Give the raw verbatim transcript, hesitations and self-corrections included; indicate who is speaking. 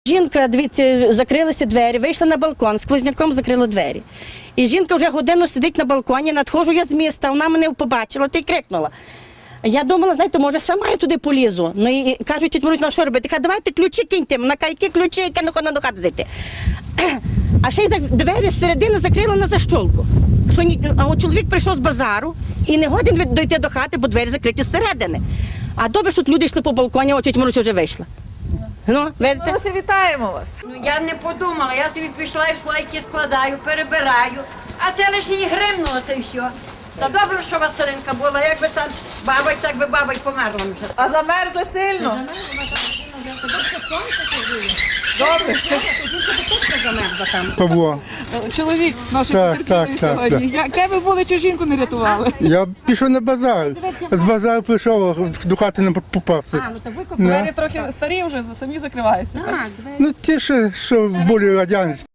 Speaker 1: Жінка, дивіться, закрилися двері, вийшла на балкон, сквозняком закрила двері. І жінка вже годину сидить на балконі, надходжу я з міста, вона мене побачила та й крикнула. Я думала, знаєте, може, сама я туди полізу. Ну і кажуть, тіть Марусь, ну що робити? Каже, давайте ключі киньте. Вона каже, які ключі, яке не хоче до хати зайти. А ще й двері з середини закрила на защолку. Що ні... А от чоловік прийшов з базару і не годен дойти до хати, бо двері закриті зсередини. А добре, що люди йшли по балконі, а тіть Марусь вже вийшла. Ну, видите?
Speaker 2: Маруся, вітаємо вас.
Speaker 3: Ну, я не подумала, я собі пішла і слайки складаю, перебираю, а це лише їй гримнуло, це і все. Та добре, що Василинка була, якби там бабать, так би бабать померла вже.
Speaker 2: А замерзли сильно? Добре.
Speaker 4: Павло,
Speaker 2: Чоловік нашої
Speaker 4: Так,
Speaker 2: потерпілої
Speaker 4: так, так,
Speaker 2: сьогодні. Я- Де ви були, чи жінку не рятували?
Speaker 4: я пішов на базар. З базару прийшов, до хати не попався.
Speaker 1: ну то ви
Speaker 2: Двері трохи старі вже, самі закриваються.
Speaker 1: Так, двері.
Speaker 4: Ну, ті, що, що були радянські.